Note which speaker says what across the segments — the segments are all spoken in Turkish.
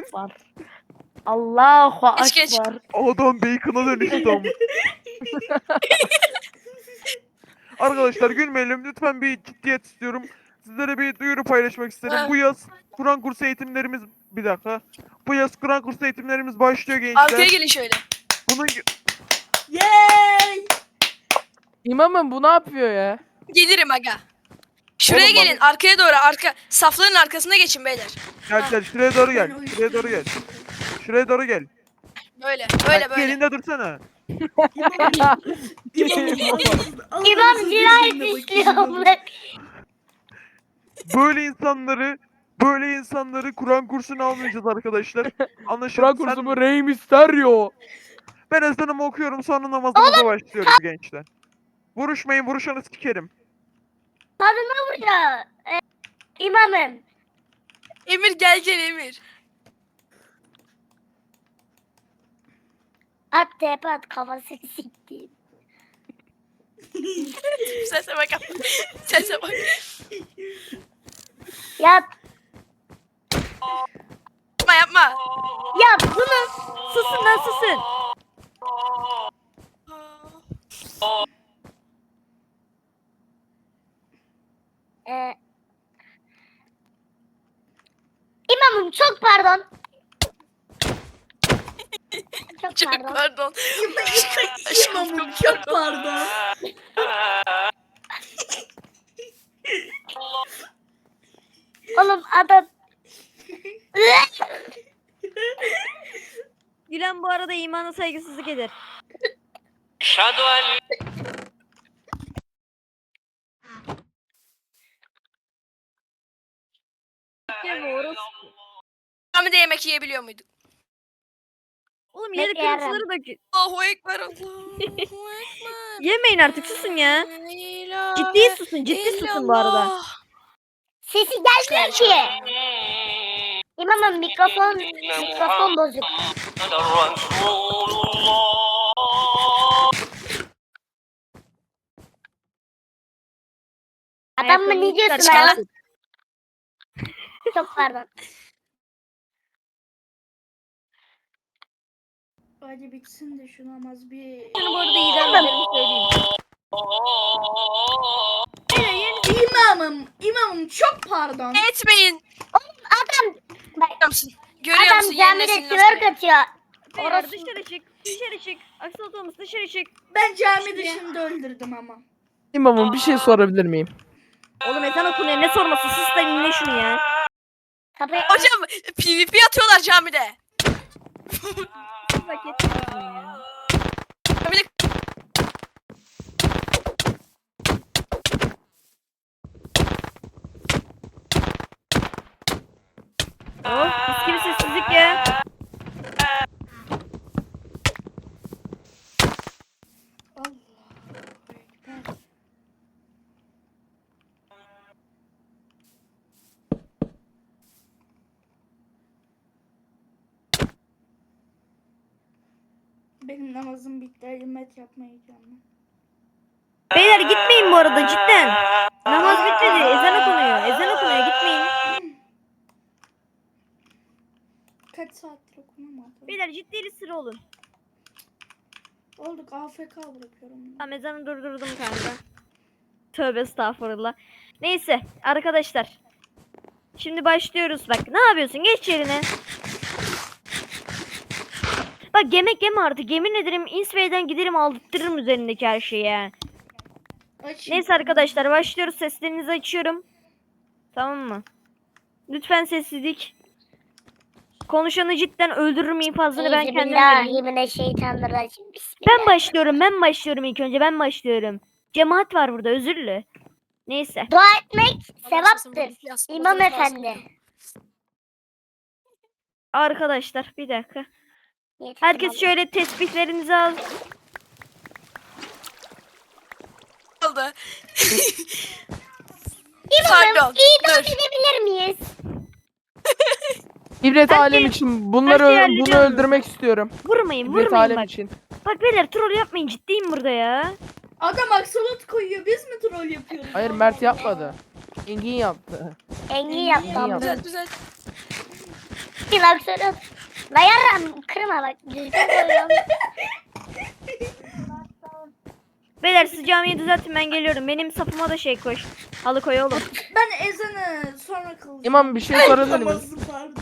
Speaker 1: Akbar. Allahu
Speaker 2: Geç, geç.
Speaker 1: Akbar.
Speaker 3: Adam bacon'a dönüştü ama. Arkadaşlar gülmeyelim, lütfen bir ciddiyet istiyorum. Sizlere bir duyuru paylaşmak isterim.
Speaker 2: Ha.
Speaker 3: Bu yaz Kur'an kursu eğitimlerimiz, bir dakika. Bu yaz Kur'an kursu eğitimlerimiz başlıyor gençler.
Speaker 2: Arkaya gelin şöyle.
Speaker 3: Bunun
Speaker 4: Yay!
Speaker 1: İmamım bu ne yapıyor ya?
Speaker 2: Gelirim aga. Şuraya
Speaker 3: Oğlum bak-
Speaker 2: gelin. Arkaya doğru. Safların arkasına geçin beyler.
Speaker 3: gel şuraya doğru gel.
Speaker 4: Ben o
Speaker 3: Şuraya doğru gel. Şuraya doğru gel.
Speaker 2: Böyle.
Speaker 3: Bak,
Speaker 2: Böyle.
Speaker 3: elinde dursana.
Speaker 5: İmam cinayet işliyor.
Speaker 3: Böyle insanları Kur'an kursuna almayacağız arkadaşlar. Anlaşıldı.
Speaker 1: Kur'an kursu bu Rey Mysterio.
Speaker 3: Ben ezanımı okuyorum, sonra namazımıza başlıyoruz gençler. Vuruşmayın, vuruşanı sikerim.
Speaker 5: Kadına vuruyor. İmamım.
Speaker 2: Emir gel Emir.
Speaker 5: At tepe at kafasını siktim.
Speaker 2: Sese bak. Sese bak.
Speaker 5: Yap.
Speaker 2: Yapma.
Speaker 5: Yap bunu.
Speaker 6: Susun lan susun.
Speaker 5: İmamım çok pardon. Çok
Speaker 2: Çok
Speaker 5: pardon.
Speaker 2: pardon.
Speaker 4: İmamım çok pardon.
Speaker 5: Oğlum adam.
Speaker 6: Gülen bu arada imana saygısızlık eder. Ya bu orası.
Speaker 2: Camide yemek yiyebiliyor muyduk?
Speaker 6: Oğlum yeri
Speaker 5: Bekleyelim.
Speaker 6: kırıntıları dök.
Speaker 2: Allahu Ekber. Allahu Ekber.
Speaker 6: Yemeyin artık susun ya.
Speaker 2: La ilahe
Speaker 6: Ciddi susun, ciddi susun bu arada.
Speaker 2: illallah.
Speaker 5: Sesi gelmiyor ki. İmamım mikrofon bozuk. Adam mı ne diyorsun
Speaker 2: Çıkar
Speaker 5: ya?
Speaker 2: lan.
Speaker 5: Çok pardon.
Speaker 4: Hadi bitsin de şu namaz bir...
Speaker 6: Şunu bu arada idam ederim söyleyeyim.
Speaker 4: İmamım çok pardon.
Speaker 2: Etmeyin.
Speaker 5: Adam
Speaker 2: Görüyor musun? Görüyor
Speaker 5: adam
Speaker 2: musun?
Speaker 5: camide
Speaker 2: Yenmesin
Speaker 5: twerk atıyor.
Speaker 6: Beyler
Speaker 5: Orası-
Speaker 6: dışarı çık. Dışarı çık. Aksal Thomas dışarı çık.
Speaker 4: Ben cami dışında öldürdüm ama.
Speaker 1: İmamım bir şey sorabilir miyim?
Speaker 6: Oğlum ezan okunuyor. Ne sorması? Sus da dinle şunu ya.
Speaker 5: Kapıyı
Speaker 2: Hocam PvP atıyorlar camide.
Speaker 6: Siz hak etmiyorsunuz ya.
Speaker 2: Camide
Speaker 6: Oh mis gibi sessizlik ya.
Speaker 4: Allahu Ekber. Benim namazım bitti. Hizmet yapmaya gidiyorum.
Speaker 6: Beyler gitmeyin bu arada cidden. Namaz bitmedi. Ezan okunuyor. Ezan okunuyor. Gitmeyin.
Speaker 4: Kaç saattir okunamadı.
Speaker 6: Beyler ciddi sıra olun.
Speaker 4: Olduk AFK bırakıyorum.
Speaker 6: Tamam ezanı durdurdum kanka. Tövbe estağfurullah. Neyse arkadaşlar. Şimdi başlıyoruz bak. Ne yapıyorsun? Geç yerine. Bak yemek yeme artık. Yemin ederim Insway'den giderim aldırtırırım üzerindeki her şeyi ya. Neyse arkadaşlar başlıyoruz. Seslerinizi açıyorum. Tamam mı? Lütfen sessizlik. Konuşanı cidden öldürürüm infazını ben kendim veririm.
Speaker 5: Euzubillahimineşşeytanirracim. Bismillah.
Speaker 6: Ben başlıyorum ilk önce ben başlıyorum. Cemaat var burada özürlü. Neyse.
Speaker 5: Dua etmek sevaptır. İmam efendi.
Speaker 6: Arkadaşlar bir dakika.
Speaker 5: Yeter,
Speaker 6: Herkes
Speaker 5: tamam.
Speaker 6: şöyle tesbihlerinizi al.
Speaker 2: oldu.
Speaker 5: İmamım
Speaker 2: Pardon.
Speaker 5: idam
Speaker 2: Dur.
Speaker 5: edebilir miyiz?
Speaker 1: İbret
Speaker 6: Her
Speaker 1: alem
Speaker 6: şey-
Speaker 1: için bunları
Speaker 6: her şey
Speaker 1: bunu
Speaker 6: hallediyorum.
Speaker 1: öldürmek istiyorum.
Speaker 6: Vurmayın
Speaker 1: İbret
Speaker 6: vurmayın
Speaker 1: alem
Speaker 6: bak.
Speaker 1: için.
Speaker 6: Bak beyler troll yapmayın ciddiyim burada ya.
Speaker 4: Adam aksolot koyuyor. Biz mi troll yapıyoruz?
Speaker 1: Hayır Mert yapmadı. Engin yaptı.
Speaker 5: Engin yaptı.
Speaker 1: Engin yaptı.
Speaker 2: Düzelt.
Speaker 5: sakin aksiyonu. La yarram kırma bak. Düzgün koyuyorum.
Speaker 6: Beyler siz camiyi düzeltin ben geliyorum. Benim sapıma da şey koy. Halı koy oğlum.
Speaker 4: Ben ezanı sonra kılacağım.
Speaker 1: İmam bir şey sorabilir miyim?
Speaker 4: Namazı pardon.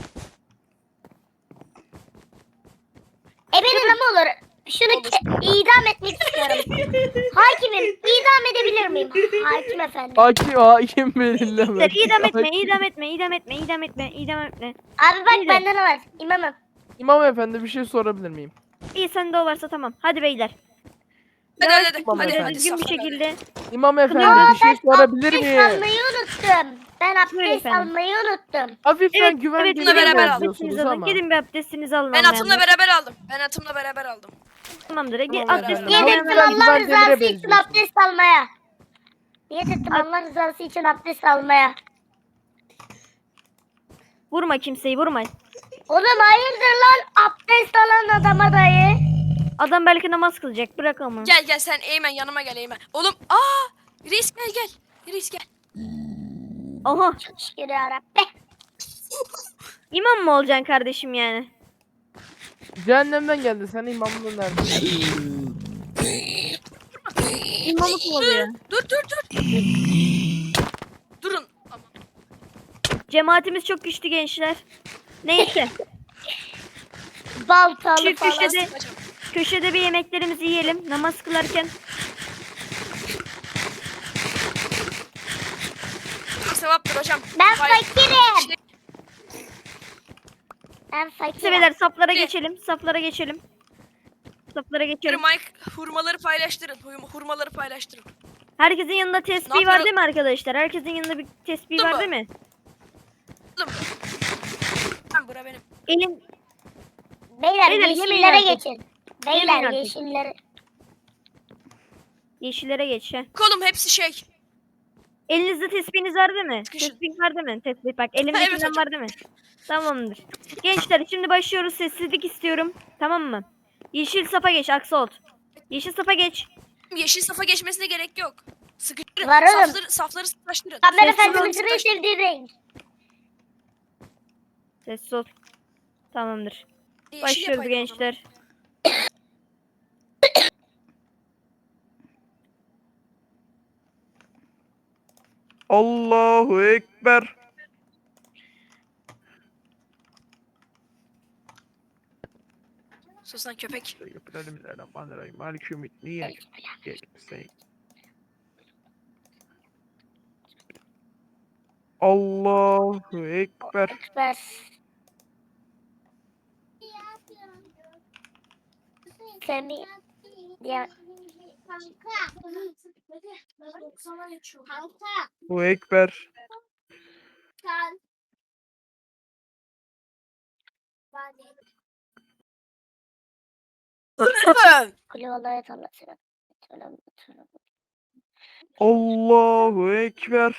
Speaker 5: Benim ama olur. Şunu idam etmek istiyorum. Hakimim idam edebilir miyim? Hakim efendi.
Speaker 1: Hakim belirleme.
Speaker 6: İdam etme, idam etme, idam etme, idam etme, idam etme.
Speaker 5: Abi bak
Speaker 6: Beyler.
Speaker 5: bende ne var? İmamım.
Speaker 1: İmam efendi bir şey sorabilir miyim?
Speaker 6: İyi sende o varsa tamam. Hadi beyler.
Speaker 2: Hadi.
Speaker 1: Tamam
Speaker 2: Hadi.
Speaker 1: efendim.
Speaker 6: Düzgün bir
Speaker 2: saflara.
Speaker 6: şekilde.
Speaker 1: İmam efendi
Speaker 6: Aa,
Speaker 1: bir şey sorabilir
Speaker 5: Abdest
Speaker 1: miyim?
Speaker 5: almayı unuttum. Ben
Speaker 6: Buyurun
Speaker 5: abdest
Speaker 6: efendim.
Speaker 5: almayı unuttum.
Speaker 1: Hafiften
Speaker 6: Evet,
Speaker 1: güven
Speaker 6: evet.
Speaker 2: Bununla
Speaker 1: demire
Speaker 2: beraber alın.
Speaker 1: benziyorsunuz
Speaker 6: Abdestinizi alın.
Speaker 1: ama.
Speaker 6: Gidin bir abdestinizi alın.
Speaker 2: Ben atımla
Speaker 6: almayanlar.
Speaker 2: beraber aldım.
Speaker 6: Tamamdır.
Speaker 1: Tamam,
Speaker 6: Abdestini
Speaker 1: beraber.
Speaker 5: Niyet
Speaker 1: Ama
Speaker 5: ettim
Speaker 1: ben
Speaker 5: Allah
Speaker 1: güven demire
Speaker 5: rızası için
Speaker 1: benziyorsun.
Speaker 5: abdest almaya. Niyet ettim Allah rızası için abdest almaya.
Speaker 6: Vurma kimseyi, vurma.
Speaker 5: Oğlum hayırdır lan abdest alan adama dayı.
Speaker 6: Adam belki namaz kılacak. Bırak onu.
Speaker 2: Gel sen Eymen yanıma gel Eymen. Oğlum Reis gel. Reis gel.
Speaker 6: Aha.
Speaker 5: Şükür yarabbi.
Speaker 6: İmam mı olacaksın kardeşim yani?
Speaker 1: Cehennemden geldi. Sen imamlığın nerede?
Speaker 6: İmamlık mı oluyor?
Speaker 2: Dur. Durun. Aman.
Speaker 6: Cemaatimiz çok güçlü gençler. Neyse.
Speaker 5: Baltalı
Speaker 6: Şu
Speaker 5: falan.
Speaker 6: köşede bir yemeklerimizi yiyelim. Namaz kılarken.
Speaker 2: Sevaptır hocam.
Speaker 5: Ben
Speaker 2: Hayır.
Speaker 5: fakirim. Ben fakirim.
Speaker 6: Sebeler saflara
Speaker 2: Ne?
Speaker 6: geçelim. Saflara geçelim. Saflara geçelim.
Speaker 2: Mike hurmaları paylaştırın. Hurmaları paylaştırın.
Speaker 6: Herkesin yanında tesbih
Speaker 2: Ne
Speaker 6: var
Speaker 2: yapıyor-
Speaker 6: değil mi arkadaşlar? Herkesin yanında bir tesbih
Speaker 2: Değil
Speaker 6: var
Speaker 2: mi?
Speaker 6: değil mi?
Speaker 2: Oğlum. Ben bura benim.
Speaker 6: Elin
Speaker 5: Beyler
Speaker 6: Beyler,
Speaker 5: yeşillere
Speaker 6: yemin artık.
Speaker 5: geçin.
Speaker 6: Yemin
Speaker 5: Beyler
Speaker 6: artık.
Speaker 5: yeşillere.
Speaker 6: yeşillere geç ha.
Speaker 2: Kolum hepsi şey.
Speaker 6: Elinizde tesbihiniz var değil mi?
Speaker 2: Sıkışın.
Speaker 6: Tesbih var değil mi? Tesbih bak.
Speaker 2: evet
Speaker 6: Elimdekinden
Speaker 2: hocam.
Speaker 6: var değil mi? Tamamdır. Gençler şimdi başlıyoruz. Sessizlik istiyorum. Tamam mı? Yeşil safa geç Aksolt. Yeşil safa geç.
Speaker 2: Yeşil safa geçmesine gerek yok. Sıkıştırın.
Speaker 5: Var oğlum.
Speaker 2: Safları sıkıştırın.
Speaker 5: Peygamber
Speaker 6: Sessiz
Speaker 5: Efendimiz'in en sevdiği renk.
Speaker 6: Sessiz ol. Tamamdır.
Speaker 2: Yeşil
Speaker 6: Başlıyoruz
Speaker 2: yapaydım o zaman.
Speaker 6: gençler.
Speaker 3: Allahu Ekber.
Speaker 2: Sus lan köpek.
Speaker 3: Bismillahirrahmanirrahim. Maliki yevmiddin. Allahu Ekber.
Speaker 5: Ver. Semi. Ya.
Speaker 3: Allahu Ekber.
Speaker 5: Kulü vallahi Allah selam.
Speaker 3: Allahu Ekber.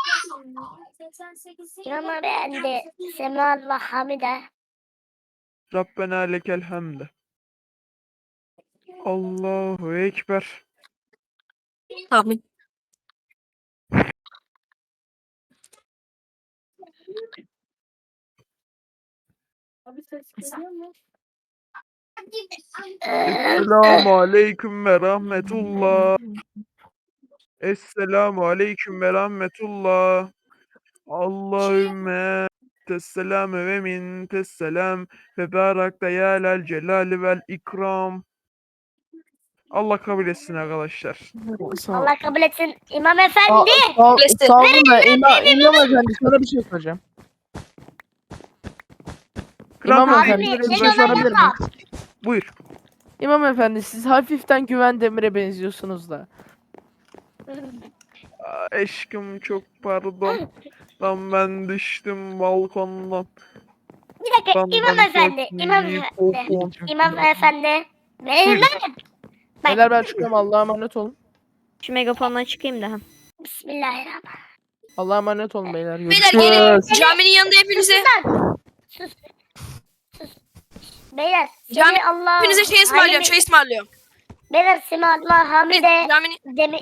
Speaker 5: İmam beğendi. Sema ve Hamide.
Speaker 3: Rabbena lekel hamd. Allahu Ekber.
Speaker 2: Amin.
Speaker 3: Esselamu aleyküm ve rahmetullah. Esselamu aleyküm ve rahmetullah. Allahümme tesselam ve min tesselam ve barakta ya lel celali vel ikram. Allah kabul etsin arkadaşlar.
Speaker 5: Allah kabul etsin. İmam Efendi.
Speaker 1: Sağ olun da İmam efendi sana bir şey soracağım. İmam
Speaker 3: Kral
Speaker 1: efendi
Speaker 5: Abi,
Speaker 1: bir
Speaker 5: sen
Speaker 1: şey sorabilir
Speaker 5: ona
Speaker 1: miyim?
Speaker 3: buyur.
Speaker 1: İmam efendi siz hafiften güven demire benziyorsunuz da.
Speaker 3: Aşkım çok pardon. Lan ben düştüm balkondan.
Speaker 5: Bir dakika
Speaker 3: Benden
Speaker 5: İmam Efendi.
Speaker 3: çok
Speaker 5: İmam
Speaker 3: büyük
Speaker 5: Efendi.
Speaker 3: korkun.
Speaker 5: İmam Efendi. Benim
Speaker 3: Buyurun.
Speaker 5: lan.
Speaker 1: Beyler ben çıkıyorum Allah'a emanet olun.
Speaker 6: Şu megafondan çıkayım da.
Speaker 5: Bismillahirrahmanirrahim.
Speaker 1: Allah'a emanet olun beyler.
Speaker 2: Beyler
Speaker 1: Görüşürüz.
Speaker 2: gelin. Caminin yanında hepinize.
Speaker 5: Sus. Sus. Beyler.
Speaker 2: Cami-
Speaker 5: Semi Allah.
Speaker 2: Hepinize şey ısmarlıyorum. Çay ısmarlıyorum.
Speaker 5: Beyler Semi Allah Hamide.
Speaker 2: Caminin
Speaker 5: Demi.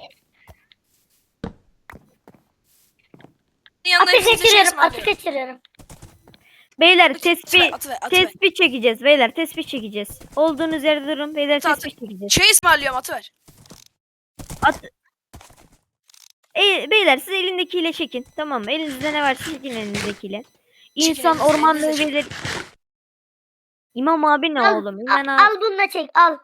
Speaker 2: yanında
Speaker 5: Ateş
Speaker 2: hepinize şey
Speaker 5: geçiriyorum. Ateş
Speaker 2: ısmarlıyorum.
Speaker 5: geçiriyorum.
Speaker 6: Beyler tespih
Speaker 2: Atıver.
Speaker 6: tespih çekeceğiz. Beyler tespih çekeceğiz. Olduğunuz yerde durun. Beyler
Speaker 2: Tamam,
Speaker 6: tespih çekeceğiz.
Speaker 2: Şey ısmarlıyorum atıver.
Speaker 6: Beyler siz elindekiyle çekin. Tamam mı? Elinizde ne varsa çekin elinizdekiyle.
Speaker 2: Çekin
Speaker 6: İnsan
Speaker 2: elinizde,
Speaker 6: ormanlığı
Speaker 2: elinizde
Speaker 6: gelir. İmam abi ne
Speaker 5: Al,
Speaker 6: oğlum? İmam abi.
Speaker 5: Al bunu da çek al.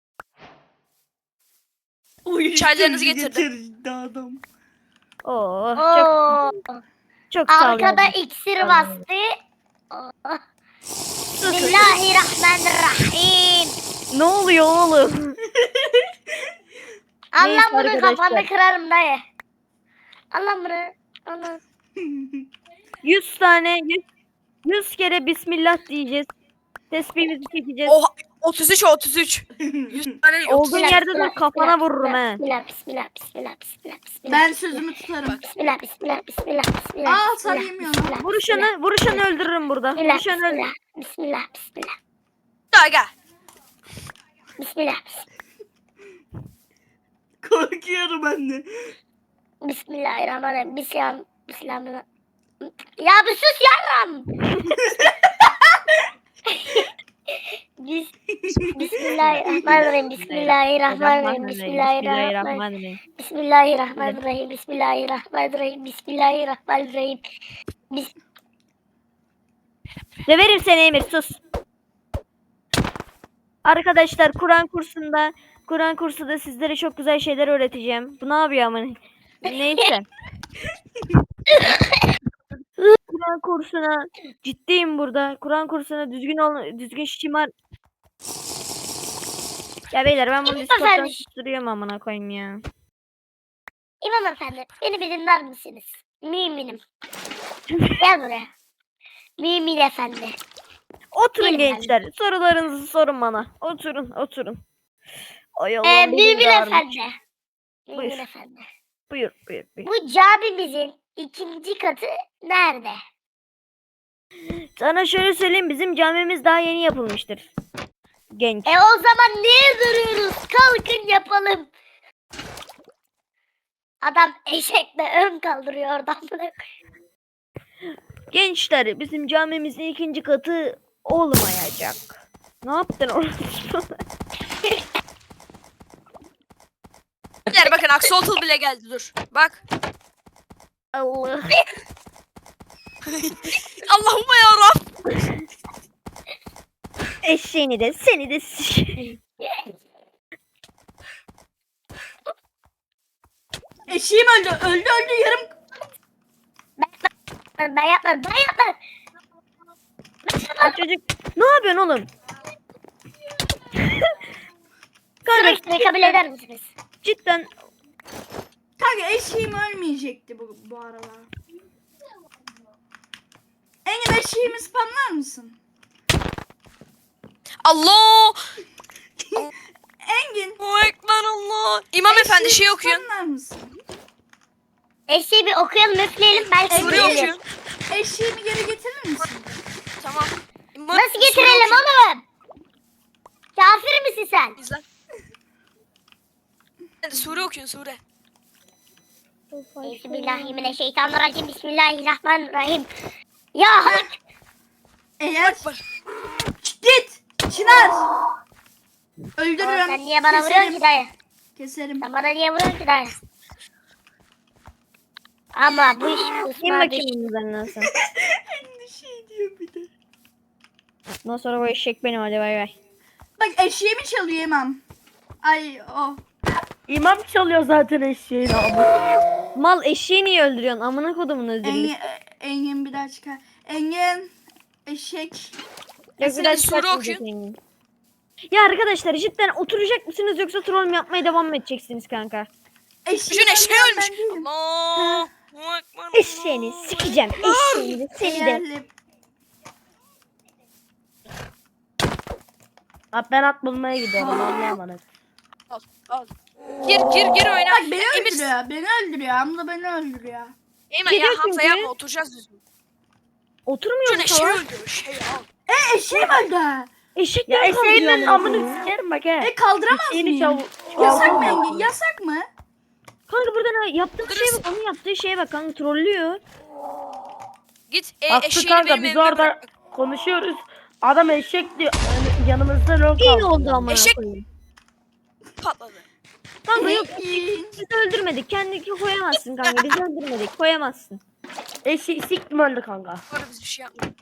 Speaker 2: Çaylarınızı getirdim.
Speaker 4: Getirdi adam.
Speaker 6: Oo,
Speaker 5: Oo.
Speaker 6: çok sağ olun.
Speaker 5: Arkada iksir bastı. Oh. Bismillahirrahmanirrahim.
Speaker 6: Ne oluyor oğlum?
Speaker 5: Allah
Speaker 6: Neyse
Speaker 5: bunu
Speaker 6: arkadaşlar.
Speaker 5: kafanda kırarım dayı. Allah bunu. Allah.
Speaker 6: 100 tane 100 kere bismillah diyeceğiz. Tesbihimizi çekeceğiz.
Speaker 2: Oha 33. 100 tane yok.
Speaker 6: Olduğun yerde dur kafana vururum he.
Speaker 5: Bismillah.
Speaker 4: Ben sözümü tutarım.
Speaker 5: Bismillah.
Speaker 4: Aa sen yemiyorsun lan.
Speaker 6: Vuruşanı öldürürüm burada. Vuruşanı öldürürüm.
Speaker 5: Bismillah.
Speaker 2: Aga.
Speaker 5: Bismillah.
Speaker 4: Korkuyorum ben de.
Speaker 5: Bismillahirrahmanirrahim. Bismillah. Ya bir sus yarram. Bismillahirrahmanirrahim. Bismillahirrahmanirrahim.
Speaker 6: Döverim seni Emir sus. Arkadaşlar Kur'an kursunda sizlere çok güzel şeyler öğreteceğim. Bu ne yapıyor ama? Neyse. Kur'an kursuna ciddiyim burada. Kur'an kursuna düzgün şımar. Ya beyler ben bunu Discord'dan
Speaker 5: efendim.
Speaker 6: susturuyorum amına koyayım ya.
Speaker 5: İmam efendi, beni bir dinler misiniz? Müminim. Gel buraya. Mümin efendi.
Speaker 6: Oturun
Speaker 5: Gelin
Speaker 6: gençler. Sorularınızı sorun bana. Oturun. Ay Allah'ım, benim
Speaker 5: Mümin
Speaker 6: de ağrım.
Speaker 5: efendi. Mümin
Speaker 6: Buyur.
Speaker 5: efendi.
Speaker 6: Buyur.
Speaker 5: Bu camimizin ikinci katı nerede?
Speaker 6: Sana şöyle söyleyeyim, bizim camimiz daha yeni yapılmıştır. Genç.
Speaker 5: O zaman niye duruyoruz? Kalkın yapalım. Adam eşekle ön kaldırıyor oradan.
Speaker 6: Gençler, bizim camimizin ikinci katı olmayacak. Ne yaptın orası?
Speaker 2: Beyler bakın Axolotl bile geldi dur. Bak.
Speaker 6: Allah.
Speaker 2: Allahümme yarabbim.
Speaker 6: Eşeğini de seni de
Speaker 4: Eşeğim öldü yarım.
Speaker 5: Ben yapmadım.
Speaker 6: çocuk. Ne yapıyorsun oğlum?
Speaker 5: Sürekli kabul eder misiniz?
Speaker 6: Cidden
Speaker 4: Kanka eşeğim ölmeyecekti bu arada. Engin eşeğimi spamlar mısın?
Speaker 2: Allah.
Speaker 4: Engin.
Speaker 2: Allahu Ekber Allah. İmam efendi şey okuyun.
Speaker 4: Spamlar mısın?
Speaker 5: Eşeği bir okuyalım üfleyelim. Belki
Speaker 2: Sure
Speaker 5: gelir.
Speaker 2: okuyun.
Speaker 4: Eşeğimi geri getirir misin?
Speaker 2: Tamam. İmam,
Speaker 5: Nasıl
Speaker 2: sure
Speaker 5: getirelim
Speaker 2: okuyun.
Speaker 5: oğlum? Kafir misin sen?
Speaker 2: İzle. Hadi sure okuyun sure.
Speaker 5: Bismillahirrahmanirrahim. Bismillahirrahmanirrahim. Ya hak.
Speaker 4: Eğer
Speaker 2: Bak.
Speaker 4: git Çınar.
Speaker 5: Sen
Speaker 4: Öldürürüm.
Speaker 5: niye bana vuruyorsun ki dayı?
Speaker 4: Keserim.
Speaker 5: Sen bana niye vuruyorsun ki dayı? Ama bu iş
Speaker 6: kim
Speaker 5: kusma
Speaker 6: bakayım bunun üzerinden sen.
Speaker 4: Ne şey diyor bir de.
Speaker 6: Ondan sonra bu eşek benim, hadi bay bay.
Speaker 4: Bak eşeğimi çalıyor imam. Ay o.
Speaker 1: İmam çalıyor zaten eşeğini abi.
Speaker 6: Mal eşeği niye öldürüyorsun? Amına kodumun özürlü.
Speaker 4: Engin bir daha çıkar. Engin. Eşek.
Speaker 2: Hadi sure okuyun.
Speaker 6: Ya arkadaşlar cidden oturacak mısınız yoksa troll yapmaya devam mı edeceksiniz kanka?
Speaker 4: Eşeğim
Speaker 2: Düşün eşeği
Speaker 4: ben
Speaker 2: ölmüş.
Speaker 4: değilim.
Speaker 2: Allahu Ekber.
Speaker 6: Eşeğini sikeceğim. Eşeğini de seni de.
Speaker 4: Eğerli.
Speaker 1: Abi ben at bulmaya gidiyorum Allah'a emanet.
Speaker 2: Al. Gir oyna.
Speaker 4: Bak beni
Speaker 2: Emir,
Speaker 4: öldürüyor. Beni öldürüyor. Abla beni öldürüyor.
Speaker 2: Eymen ya
Speaker 6: Geliyor
Speaker 2: Hamza
Speaker 6: çünkü.
Speaker 2: yapma oturacağız düzgün.
Speaker 6: Oturmuyor
Speaker 2: Düşün
Speaker 6: mu
Speaker 2: eşeği
Speaker 6: salak?
Speaker 2: öldürüyor. Şey al.
Speaker 4: Eşeğim öldü.
Speaker 6: Eşek
Speaker 1: Ya
Speaker 6: niye kaldırıyor
Speaker 1: eşeğinin
Speaker 6: amına
Speaker 1: amını
Speaker 6: koyayım?
Speaker 1: sikerim bak he.
Speaker 4: Kaldıramaz
Speaker 1: Eşeğini
Speaker 4: mıyım?
Speaker 1: çal.
Speaker 4: Yasak mı Engin? Yasak mı?
Speaker 6: Kanka burada ne? Yaptığın şeye bak, onun yaptığı şeye bak kanka, trollüyor.
Speaker 2: Git
Speaker 1: Hakkı
Speaker 2: eşeğini
Speaker 1: kanka
Speaker 2: benim
Speaker 1: biz
Speaker 2: elimde
Speaker 1: orada
Speaker 2: bırak.
Speaker 7: konuşuyoruz. Adam eşek diyor. Yani yanımızda lol
Speaker 6: İyi
Speaker 7: kaldı.
Speaker 6: oldu amına
Speaker 2: Eşek-
Speaker 6: koyayım.
Speaker 2: Patladı.
Speaker 6: Kanka yok biz öldürmedik. Kendini koyamazsın kanka. Biz öldürmedik. Koyamazsın.
Speaker 7: Eşek siktim öldü kanka.
Speaker 2: Bu arada biz bir şey yapmadık.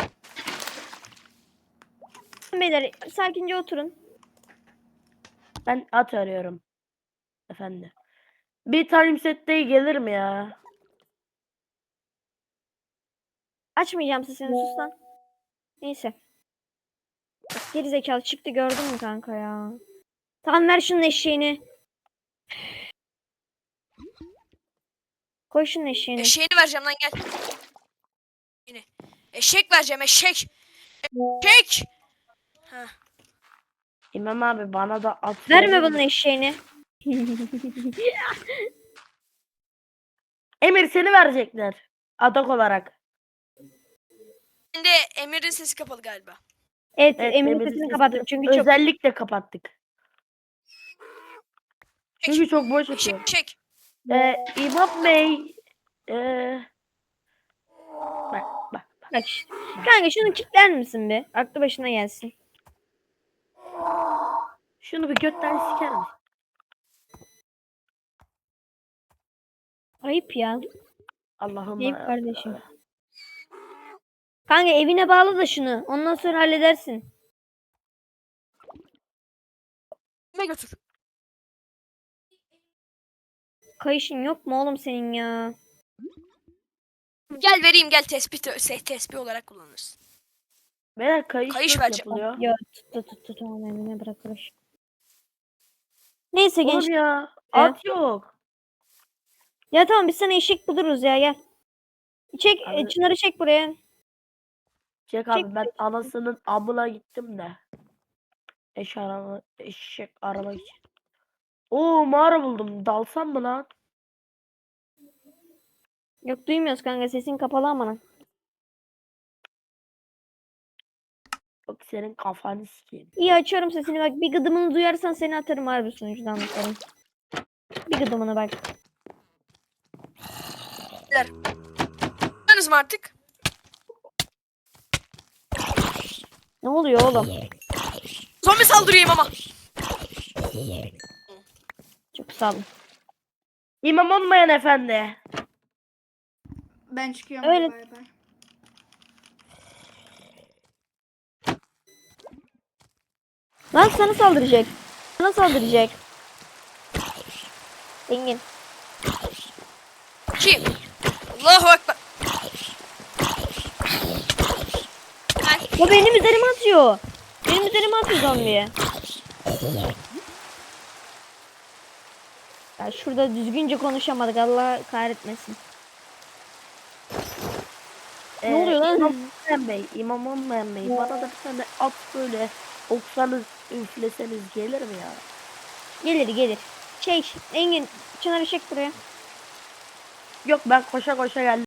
Speaker 6: Beyler sakince oturun.
Speaker 7: Ben at arıyorum. Efendim. Bir time sette gelir mi ya?
Speaker 6: Açmayacağım sesini sus lan. Neyse. Bak, geri zekalı çıktı gördün mü kanka ya? Tamam ver şunun eşeğini. Koy şunun eşeğini.
Speaker 2: Eşeğini vereceğim lan gel. Yine. Eşek vereceğim eşek. Eşek. Heh.
Speaker 7: İmam abi bana da at.
Speaker 6: Verme
Speaker 7: verir
Speaker 6: bunun
Speaker 7: misin?
Speaker 6: eşeğini.
Speaker 7: Emir seni verecekler. Adak olarak.
Speaker 2: Şimdi Emir'in sesi kapalı galiba.
Speaker 6: Evet,
Speaker 7: Evet,
Speaker 6: Emir'in
Speaker 7: Emir'in
Speaker 6: sesini
Speaker 7: sesini
Speaker 6: kapattım çünkü çok...
Speaker 7: Özellikle kapattık. Çünkü çok boş
Speaker 2: Eşek
Speaker 7: atıyor.
Speaker 2: eşek.
Speaker 7: İmam Bey. Bak bak.
Speaker 6: Bak işte. Kanka şunu kilitler misin be? Aklı başına gelsin.
Speaker 7: Şunu bir götten siker misin?
Speaker 6: Ayıp ya.
Speaker 7: Allah'ım.
Speaker 6: Ayıp kardeşim. Kanka evine bağla da şunu. Ondan sonra halledersin.
Speaker 2: Ne götür?
Speaker 6: Kayışın yok mu oğlum senin ya?
Speaker 2: Gel vereyim gel tespih olarak kullanırız.
Speaker 7: Beyler kayış
Speaker 2: Kayış
Speaker 7: nasıl
Speaker 2: vereceğim.
Speaker 7: yapılıyor?
Speaker 6: Ya tut tamam evine bırakılır. Neyse genç.
Speaker 7: Oğlum ya. At yok.
Speaker 6: Ya tamam biz sana eşek buluruz ya gel. Çek
Speaker 7: Abi-
Speaker 6: Çınar'ı çek buraya.
Speaker 7: Çek abi ben anasının amına gittim de. Eşek aramak için. Oo mağara buldum. Dalsam mı lan?
Speaker 6: Yok duymuyoruz kanka sesin kapalı amına.
Speaker 7: Bak senin kafanı sikeyim.
Speaker 6: İyi açıyorum sesini bak bir gıdımını duyarsan seni atarım harbi sunucudan bakarım. Bir gıdımını bak.
Speaker 2: Anladınız mı artık?
Speaker 6: Ne oluyor oğlum?
Speaker 2: Zombi saldırıyım ama.
Speaker 6: Çok sağ olun.
Speaker 7: İmam olmayan efendi.
Speaker 4: Ben çıkıyorum.
Speaker 6: Öyle.
Speaker 4: Bay bay.
Speaker 6: Lan sana saldıracak. Sana saldıracak. Engin.
Speaker 2: Kim? Allahu Ekber.
Speaker 6: O benim üzerime atıyor. Benim üzerime atıyor zombiye. Ya şurada düzgünce konuşamadık Allah kahretmesin. Ne oluyor lan?
Speaker 7: İmam olmayan bey. İmam olmayan bey. Bana da bir tane at böyle oksanız üfleseniz gelir mi ya?
Speaker 6: Gelir. Engin Çınar'ı çek buraya.
Speaker 7: Yok ben koşa koşa geldim.